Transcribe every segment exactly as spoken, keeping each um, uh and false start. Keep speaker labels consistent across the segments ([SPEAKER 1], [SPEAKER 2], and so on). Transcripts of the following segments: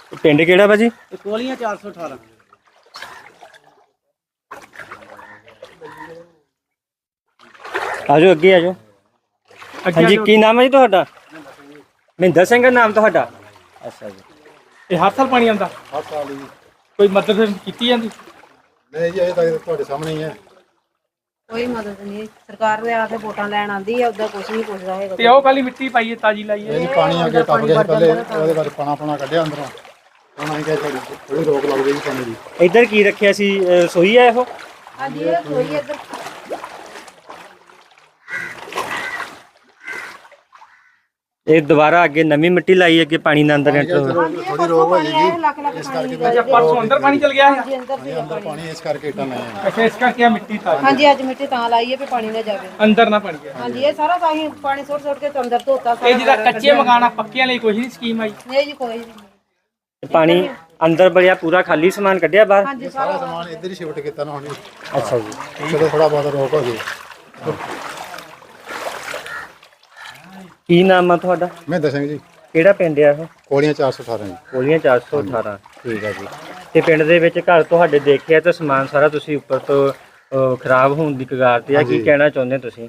[SPEAKER 1] ਪਿੰਡ ਕਿਹੜਾ ਭਾਜੀ?
[SPEAKER 2] ਕੋਲੀਆਂ ਚਾਰ ਸੌ ਅਠਾਰਾਂ।
[SPEAKER 1] ਆਜੋ ਅੱਗੇ ਆਜੋ। ਹਾਂਜੀ ਕੀ ਨਾਮ ਹੈ ਜੀ ਤੁਹਾਡਾ? ਮਹਿੰਦਰ ਸਿੰਘ ਨਾਮ ਤੁਹਾਡਾ? ਅੱਛਾ ਜੀ।
[SPEAKER 3] ਇਹ ਹਰ ਸਾਲ ਪਾਣੀ ਆਉਂਦਾ?
[SPEAKER 4] ਹਰ ਸਾਲ ਜੀ।
[SPEAKER 3] ਕੋਈ ਮਦਦ ਕੀਤੀ ਜਾਂਦੀ?
[SPEAKER 4] ਨਹੀਂ ਜੀ, ਇਹ ਤਾਂ ਤੁਹਾਡੇ ਸਾਹਮਣੇ ਹੀ ਹੈ।
[SPEAKER 5] ਕੋਈ ਮਦਦ ਨਹੀਂ, ਸਰਕਾਰ ਦੇ ਆ ਕੇ ਵੋਟਾਂ ਲੈਣ ਆਂਦੀ ਹੈ, ਉਦਾਂ ਕੁਝ ਨਹੀਂ ਪੁੱਛਦਾ ਹੈਗਾ।
[SPEAKER 3] ਤੇ ਉਹ ਕਾਲੀ ਮਿੱਟੀ ਪਾਈਏ ਤਾਜੀ ਲਾਈਏ?
[SPEAKER 4] ਇਹ ਜੀ ਪਾਣੀ ਅੱਗੇ ਟੱਪ ਗਿਆ ਸੀ ਪਹਿਲੇ, ਉਹਦੇ ਬਾਅਦ ਪਾਣਾ ਪਾਣਾ ਕੱਢਿਆ ਅੰਦਰੋਂ। ਹੁਣ ਅਸੀਂ ਕਿਹਾ ਥੋੜੀ ਥੋੜੀ ਰੋਕ ਲੱਗ ਗਈ ਪਾਣੀ ਦੀ।
[SPEAKER 1] ਇੱਧਰ ਕੀ ਰੱਖਿਆ ਸੀ? ਰਸੋਈ ਹੈ ਇਹੋ?
[SPEAKER 5] ਹਾਂਜੀ ਇਹ ਕੋਈ ਇੱਧਰ
[SPEAKER 1] ਇਹ ਦੁਬਾਰਾ ਅੱਗੇ ਨਵੀਂ ਮਿੱਟੀ ਲਾਈ, ਅੱਗੇ ਪਾਣੀ ਨਾ ਅੰਦਰ ਐਂਟਰ ਹੋਵੇ।
[SPEAKER 4] ਥੋੜੀ ਰੋਕ ਹੋ ਜਾਏਗੀ
[SPEAKER 5] ਲੱਖ ਲੱਖ
[SPEAKER 4] ਇਸ ਕਰਕੇ।
[SPEAKER 3] ਅੱਛਾ ਪਰਸੋਂ ਅੰਦਰ ਪਾਣੀ ਚਲ ਗਿਆ ਹੈ?
[SPEAKER 5] ਹਾਂਜੀ ਅੰਦਰ ਸੀ
[SPEAKER 4] ਅੰਦਰ ਪਾਣੀ ਇਸ ਕਰਕੇ ਇੱਟਾਂ ਲਾਈਆਂ।
[SPEAKER 3] ਅੱਛਾ ਇਸ ਕਰਕੇ ਆ ਮਿੱਟੀ ਤਾਜੀ?
[SPEAKER 5] ਹਾਂਜੀ ਅੱਜ ਮਿੱਟੀ ਤਾਂ ਲਾਈ ਹੈ ਵੀ ਪਾਣੀ ਨਾ ਜਾਵੇ
[SPEAKER 3] ਅੰਦਰ ਨਾ ਪਾਣੀ ਜਾਏ।
[SPEAKER 5] ਹਾਂਜੀ ਇਹ ਸਾਰਾ ਤਾਂ ਹੀ ਪਾਣੀ ਸੁੱਟ ਸੁੱਟ ਕੇ ਅੰਦਰ ਧੋਤਾ ਸਾਰਾ।
[SPEAKER 3] ਇਹ ਜਿਹੜਾ ਕੱਚੇ ਮਕਾਨ ਆ ਪੱਕਿਆਂ ਲਈ ਕੋਈ ਨਹੀਂ ਸਕੀਮ ਆਈ?
[SPEAKER 5] ਨਹੀਂ ਜੀ ਕੋਈ ਨਹੀਂ।
[SPEAKER 1] ਪਾਣੀ ਅੰਦਰ ਬੜਿਆ, ਪੂਰਾ ਖਾਲੀ ਸਮਾਨ ਕੱਢਿਆ ਬਾਹਰ?
[SPEAKER 5] ਹਾਂਜੀ
[SPEAKER 4] ਸਾਰਾ ਸਮਾਨ ਇੱਧਰ ਹੀ ਸ਼ਿਫਟ ਕੀਤਾ ਨਾ ਹੁਣ।
[SPEAKER 1] ਅੱਛਾ ਜੀ।
[SPEAKER 4] ਚਲੋ ਥੋੜਾ ਬਹੁਤ ਰੋਕ ਹੋ ਗਈ।
[SPEAKER 1] ਕੀ ਨਾਮ ਆ ਤੁਹਾਡਾ?
[SPEAKER 4] ਮਹਿੰਦਰ ਸਿੰਘ ਜੀ।
[SPEAKER 1] ਕਿਹੜਾ ਪਿੰਡ ਆ ਇਹ?
[SPEAKER 4] ਕੋਲੀਆਂ ਚਾਰ ਸੌ ਅਠਾਰਾਂ ਜੀ।
[SPEAKER 1] ਕੋਲੀਆਂ ਚਾਰ ਸੌ ਅਠਾਰਾਂ। ਠੀਕ ਹੈ ਜੀ। ਤੇ ਪਿੰਡ ਦੇ ਵਿੱਚ ਘਰ ਤੁਹਾਡੇ ਦੇਖਿਆ ਤਾਂ ਸਮਾਨ ਸਾਰਾ ਤੁਸੀਂ ਉੱਪਰ ਤੋਂ ਅਹ, ਖਰਾਬ ਹੋਣ ਦੀ ਕਗਾਰ ਤੇ ਆ, ਕੀ ਕਹਿਣਾ ਚਾਹੁੰਦੇ ਤੁਸੀਂ?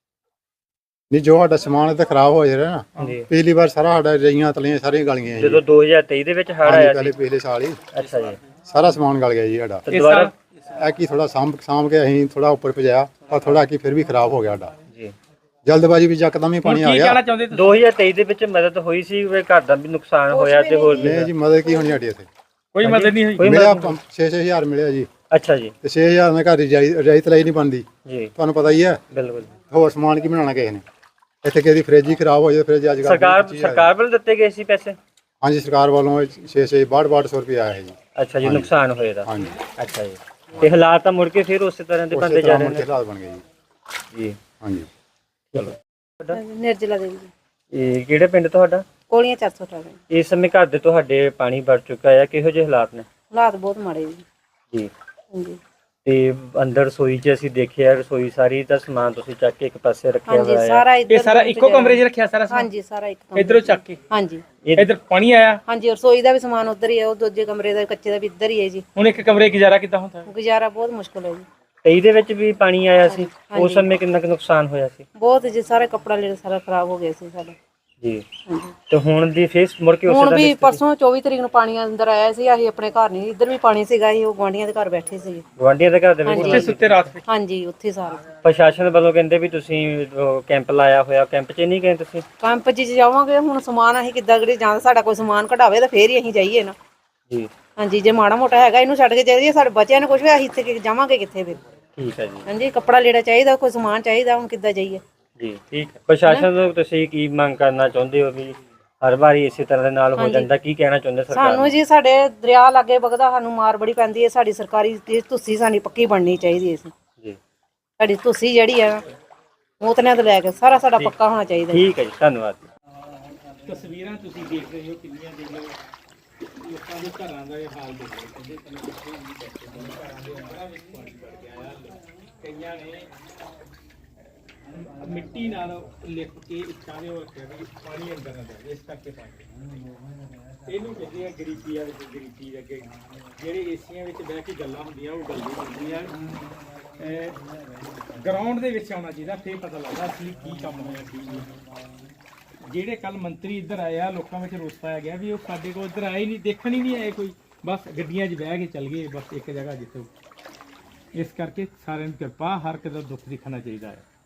[SPEAKER 4] ਨਹੀਂ, ਜੋ ਸਾਡਾ ਸਮਾਨ ਇੱਥੇ ਖਰਾਬ ਹੋ ਰਿਹਾ ਨਾ,
[SPEAKER 1] ਜੀ।
[SPEAKER 4] ਪਿਛਲੀ ਵਾਰ ਸਾਰਾ ਸਾਡਾ ਰਈਆਂ ਤਲੀਆਂ ਸਾਰੀਆਂ ਗਲ ਗਈਆਂ ਜੀ।
[SPEAKER 1] ਜਦੋਂ ਦੋ ਹਜ਼ਾਰ ਤੇਈ ਦੇ ਵਿੱਚ ਹੜ੍ਹ ਆਇਆ
[SPEAKER 4] ਪਹਿਲੇ
[SPEAKER 1] ਸੀ?
[SPEAKER 4] ਪਿਛਲੇ ਸਾਲ ਹੀ
[SPEAKER 1] ਅੱਛਾ ਜੀ।
[SPEAKER 4] ਸਾਰਾ ਸਮਾਨ ਗਲ ਗਿਆ ਜੀ ਸਾਡਾ।
[SPEAKER 1] ਤੇ ਦੁਬਾਰਾ
[SPEAKER 4] ਇਹ ਕੀ ਥੋੜਾ ਸਾਂਭ ਸਾਂਭ ਕੇ ਅਸੀਂ ਥੋੜਾ ਉੱਪਰ ਭਜਾਇਆ, ਪਰ ਥੋੜਾ ਕੀ ਫਿਰ ਵੀ ਖਰਾਬ ਹੋ ਗਿਆ ਸਾਡਾ।
[SPEAKER 1] ਜੀ।
[SPEAKER 4] ਜਲਦਬਾਜ਼ੀ ਵਿੱਚ ਯਕਦਮ ਹੀ ਪਾਣੀ ਆ
[SPEAKER 3] ਕੀ
[SPEAKER 4] ਗਿਆ।
[SPEAKER 3] ਕਹਿਣਾ ਚਾਹੁੰਦੇ ਤੁਸੀਂ?
[SPEAKER 1] ਦੋ ਹਜ਼ਾਰ ਤੇਈ ਦੇ ਵਿੱਚ ਮਦਦ ਹੋਈ ਸੀ, ਵੀ ਘਰ ਦਾ ਵੀ ਨੁਕਸਾਨ ਹੋਇਆ ਤੇ ਹੋਰ ਵੀ?
[SPEAKER 4] ਨਹੀਂ ਜੀ, ਮਦਦ ਕੀ ਹੋਣੀ ਸਾਡੀ ਇੱਥੇ?
[SPEAKER 3] ਕੋਈ ਮਦਦ ਨਹੀਂ ਹੋਈ?
[SPEAKER 1] ਕੋਈ
[SPEAKER 4] ਮਿਲਿਆ
[SPEAKER 1] ਮਦਦ?
[SPEAKER 4] ਛੇ ਛੇ ਹਜ਼ਾਰ ਮਿਲਿਆ ਜੀ।
[SPEAKER 1] ਅੱਛਾ ਜੀ।
[SPEAKER 4] ਤੇ ਛੇ ਹਜ਼ਾਰ ਨਾਲ ਘਰ ਦੀ ਰਜਾਈ ਤਲਾਈ ਨਹੀਂ ਬਣਦੀ,
[SPEAKER 1] ਜੀ
[SPEAKER 4] ਤੁਹਾਨੂੰ ਪਤਾ ਹੀ ਹੈ।
[SPEAKER 1] ਬਿਲਕੁਲ।
[SPEAKER 4] ਹੋਰ ਸਮਾਨ ਕੀ ਬਣਾਉਣਾ ਕਿਸੇ ਨੇ? ਇੱਥੇ ਕਿਸੇ ਦੀ ਫ੍ਰਿਜ ਹੀ ਖਰਾਬ ਹੋ ਜਾਏ, ਫ੍ਰਿਜ ਅੱਜ ਕੱਲ੍ਹ
[SPEAKER 1] ਸਰਕਾਰ ਸਰਕਾਰ ਵੱਲੋਂ ਦਿੱਤੇ ਗਏ ਸੀ ਪੈਸੇ?
[SPEAKER 4] ਹਾਂਜੀ, ਸਰਕਾਰ ਵੱਲੋਂ ਛੇ ਛੇ ਬਾਹਠ ਬਾਹਠ ਸੌ ਰੁਪਏ ਆਇਆ ਹੈ ਜੀ।
[SPEAKER 1] ਅੱਛਾ ਜੀ, ਨੁਕਸਾਨ ਹੋਇਆ ਦਾ?
[SPEAKER 4] ਹਾਂਜੀ।
[SPEAKER 1] ਅੱਛਾ ਜੀ। ਤੇ ਹਾਲਾਤ ਤਾਂ ਮੁੜ ਕੇ ਫਿਰ ਉਸੇ ਤਰ੍ਹਾਂ ਦੇ ਬਣਦੇ ਜਾ ਰਹੇ ਨੇ?
[SPEAKER 4] ਹਾਲਾਤ ਬਣ ਗਏ ਜੀ।
[SPEAKER 1] ਜੀ।
[SPEAKER 4] ਹਾਂਜੀ।
[SPEAKER 1] ਚਲੋ।
[SPEAKER 5] ਨਿਰਜਲਾ ਦੇਵੀ ਜੀ।
[SPEAKER 1] ਇਹ ਕਿਹੜੇ ਪਿੰਡ ਤੁਹਾਡਾ?
[SPEAKER 5] ਕੋਲੀਆਂ ਚਾਰ ਸੌ ਅਠਾਰਾਂ।
[SPEAKER 1] ਇਸ ਸਮੇਂ ਘਰ ਦੇ ਤੁਹਾਡੇ ਪਾਣੀ ਭਰ ਚੁੱਕਾ ਹੈ, ਕਿਹੋ ਜਿਹੇ ਹਾਲਾਤ ਨੇ?
[SPEAKER 5] ਹਾਲਾਤ ਬਹੁਤ ਮਾੜੇ ਜੀ।
[SPEAKER 1] ਜੀ।
[SPEAKER 5] ਹਾਂਜੀ
[SPEAKER 1] ਤੇ ਅੰਦਰ ਰਸੋਈ 'ਚ ਅਸੀਂ ਦੇਖਿਆ, ਰਸੋਈ ਸਾਰੀ ਦਾ ਸਮਾਨ ਤੁਸੀਂ ਚੱਕ ਕੇ ਇੱਕ ਪਾਸੇ ਰੱਖਿਆ
[SPEAKER 5] ਹਾਂਜੀ
[SPEAKER 1] ਹੋਇਆ ਹੈ।
[SPEAKER 5] ਸਾਰਾ ਇੱਧਰ
[SPEAKER 3] ਇਹ ਸਾਰਾ ਇੱਕੋ ਕਮਰੇ 'ਚ ਰੱਖਿਆ ਸਾਰਾ ਸਮਾਨ?
[SPEAKER 5] ਹਾਂਜੀ ਸਾਰਾ ਇੱਕ ਕਮਰੇ।
[SPEAKER 3] ਇਧਰੋਂ ਚੱਕ ਕੇ?
[SPEAKER 5] ਹਾਂਜੀ
[SPEAKER 3] ਇਧਰ ਪਾਣੀ ਆਇਆ?
[SPEAKER 5] ਹਾਂਜੀ ਰਸੋਈ ਦਾ ਵੀ ਸਮਾਨ ਉੱਧਰ ਹੀ ਹੈ, ਉਹ ਦੂਜੇ ਕਮਰੇ ਦਾ ਕੱਚੇ ਦਾ ਵੀ ਇੱਧਰ ਹੀ ਹੈ ਜੀ।
[SPEAKER 3] ਹੁਣ ਇੱਕ ਕਮਰੇ ਗੁਜ਼ਾਰਾ ਕਿੱਦਾਂ ਹੁੰਦਾ?
[SPEAKER 5] ਗੁਜ਼ਾਰਾ ਬਹੁਤ ਮੁਸ਼ਕਲ ਹੈ ਜੀ।
[SPEAKER 1] ਤੇਈ ਦੇ ਵਿੱਚ ਵੀ ਪਾਣੀ ਆਇਆ ਸੀ, ਉਸ ਸਮੇਂ ਕਿੰਨਾ ਕੁ ਨੁਕਸਾਨ ਹੋਇਆ ਸੀ?
[SPEAKER 5] ਬਹੁਤ ਜੀ, ਸਾਰਾ ਕੱਪੜਾ ਲੀੜਾ ਸਾਰਾ ਖਰਾਬ ਹੋ ਗਿਆ ਸੀ ਸਾਡਾ।
[SPEAKER 1] ਜੀ।
[SPEAKER 5] ਹਾਂਜੀ
[SPEAKER 1] ਤੇ ਹੁਣ ਦੀ ਫੇਸ ਮੁੜ ਕੇ ਉਸੇ
[SPEAKER 5] ਹੁਣ
[SPEAKER 1] ਦਾ
[SPEAKER 5] ਵੀ ਪਰਸੋਂ ਚੌਵੀ ਤਰੀਕ ਨੂੰ ਪਾਣੀ ਅੰਦਰ ਆਇਆ ਸੀ, ਅਸੀਂ ਆਪਣੇ ਘਰ ਨਹੀਂ, ਇੱਧਰ ਵੀ ਪਾਣੀ ਸੀਗਾ, ਅਸੀਂ ਉਹ ਗੁਆਂਢੀਆਂ ਦੇ ਘਰ ਬੈਠੇ ਸੀ।
[SPEAKER 1] ਗੁਆਂਢੀਆਂ ਦੇ ਘਰ ਦੇ ਵਿੱਚ?
[SPEAKER 3] ਉੱਥੇ ਸੁੱਤੇ ਰਾਤ ਵਿੱਚ?
[SPEAKER 5] ਹਾਂਜੀ ਉੱਥੇ ਸਾਰੇ।
[SPEAKER 1] ਪ੍ਰਸ਼ਾਸਨ ਵੱਲੋਂ ਕਹਿੰਦੇ ਵੀ ਤੁਸੀਂ ਉਹ ਕੈਂਪ ਲਾਇਆ ਹੋਇਆ, ਕੈਂਪ 'ਚ ਨਹੀਂ ਗਏ ਤੁਸੀਂ?
[SPEAKER 5] ਕੈਂਪ 'ਚ ਜਾਵਾਂਗੇ, ਹੁਣ ਸਮਾਨ ਅਸੀਂ ਕਿੱਦਾਂ ਕਰੀ ਜਾਂ ਸਾਡਾ ਕੋਈ ਸਮਾਨ ਕਢਾਵੇ ਤਾਂ ਫੇਰ ਹੀ ਅਸੀਂ ਜਾਈਏ ਨਾ।
[SPEAKER 1] ਜੀ।
[SPEAKER 5] ਹਾਂਜੀ ਜੇ ਮਾੜਾ ਮੋਟਾ ਹੈਗਾ ਇਹਨੂੰ ਛੱਡ ਕੇ ਜਾਈਏ, ਸਾਡੇ ਬੱਚਿਆਂ ਨੂੰ ਕੁਝ ਵੀ, ਅਸੀਂ ਇੱਥੇ ਜਾਵਾਂਗੇ ਕਿੱਥੇ ਫਿਰ?
[SPEAKER 1] ਠੀਕ ਹੈ ਜੀ।
[SPEAKER 5] ਹਾਂਜੀ ਕੱਪੜਾ ਲੀੜਾ ਚਾਹੀਦਾ, ਕੋਈ ਸਮਾਨ ਚਾਹੀਦਾ, ਹੁਣ ਕਿੱਦਾਂ ਜਾਈਏ?
[SPEAKER 1] ਜੀ ਠੀਕ ਹੈ। ਪ੍ਰਸ਼ਾਸਨ ਨੂੰ ਤੁਸੀਂ ਕੀ ਮੰਗ ਕਰਨਾ ਚਾਹੁੰਦੇ ਹੋ ਵੀ ਹਰ ਵਾਰੀ ਇਸੇ ਤਰ੍ਹਾਂ ਦੇ ਨਾਲ ਹੋ ਜਾਂਦਾ, ਕੀ ਕਹਿਣਾ ਚਾਹੁੰਦੇ ਸਰਕਾਰ ਨੂੰ?
[SPEAKER 5] ਸਾਨੂੰ ਜੀ ਸਾਡੇ ਦਰਿਆ ਲਾਗੇ ਵਗਦਾ, ਸਾਨੂੰ ਮਾਰ ਬੜੀ ਪੈਂਦੀ ਹੈ, ਸਾਡੀ ਸਰਕਾਰੀ ਤੁਸੀਂ ਸਾਡੀ ਪੱਕੀ ਬਣਨੀ ਚਾਹੀਦੀ ਹੈ।
[SPEAKER 1] ਜੀ।
[SPEAKER 5] ਸਾਡੀ ਤੁਸੀਂ ਜਿਹੜੀ ਆ ਮੋਤਨਿਆਂ ਤੋਂ ਲੈ ਕੇ ਸਾਰਾ ਸਾਡਾ ਪੱਕਾ ਹੋਣਾ ਚਾਹੀਦਾ।
[SPEAKER 1] ਠੀਕ ਹੈ ਜੀ, ਧੰਨਵਾਦ।
[SPEAKER 3] ਤਸਵੀਰਾਂ ਤੁਸੀਂ ਦੇਖ ਰਹੇ ਹੋ ਕਿੰਨੀਆਂ ਜਿਹੜੀਆਂ ਲੋਕਾਂ ਦੇ ਘਰਾਂ ਦਾ ਇਹ ਹਾਲ ਦੇਖ ਰਹੇ ਹੋ। ਕਹਿੰਦੇ ਕਿੱਥੇ ਵੀ ਬੈਠੇ ਨੇ, ਘਰਾਂ ਦੇ ਅੰਦਰਾਂ ਵਿੱਚ ਪਾਣੀ ਵੜ ਗਿਆ ਆ। ਕਈਆਂ ਨੇ ਮਿੱਟੀ ਨਾਲ ਲਿਪ ਕੇ ਇੱਟਾਂ ਦੇ ਰੱਖਿਆ ਵੀ ਪਾਣੀ ਅੰਦਰ ਨਾ ਜਾਵੇ, ਇਸ ਕਰਕੇ ਪਾਣੀ ਇਹਨੂੰ ਕਹਿੰਦੇ ਆ ਗਰੀਬੀ ਆ ਵਿੱਚ ਗਰੀਬੀ ਅੱਗੇ ਜਿਹੜੇ ਏਸੀਆਂ ਵਿੱਚ ਬਹਿ ਕੇ ਗੱਲਾਂ ਹੁੰਦੀਆਂ ਉਹ ਗੱਲਾਂ ਹੁੰਦੀਆਂ। ਗਰਾਊਂਡ ਦੇ ਵਿੱਚ ਆਉਣਾ ਚਾਹੀਦਾ, ਫਿਰ ਪਤਾ ਲੱਗਦਾ ਸੀ ਕੀ ਕੰਮ ਹੋਇਆ ਕੀ ਨਹੀਂ। ਜਿਹੜੇ ਕੱਲ ਮੰਤਰੀ ਇੱਧਰ ਆਏ ਆ, ਲੋਕਾਂ ਵਿੱਚ ਰੋਸ ਪਾਇਆ ਗਿਆ ਵੀ ਉਹ ਸਾਡੇ ਕੋਲ ਇੱਧਰ ਆਏ ਨਹੀਂ, ਦੇਖਣ ਹੀ ਨਹੀਂ ਆਏ ਕੋਈ, ਬਸ ਗੱਡੀਆਂ 'ਚ ਬਹਿ ਕੇ ਚੱਲ ਗਏ ਬਸ ਇੱਕ ਜਗ੍ਹਾ ਜਿੱਥੇ। ਇਸ ਕਰਕੇ ਸਾਰਿਆਂ ਨੂੰ ਕਿਰਪਾ, ਹਰ ਕਿਸੇ ਦਾ ਦੁੱਖ ਦਿਖਣਾ ਚਾਹੀਦਾ ਹੈ।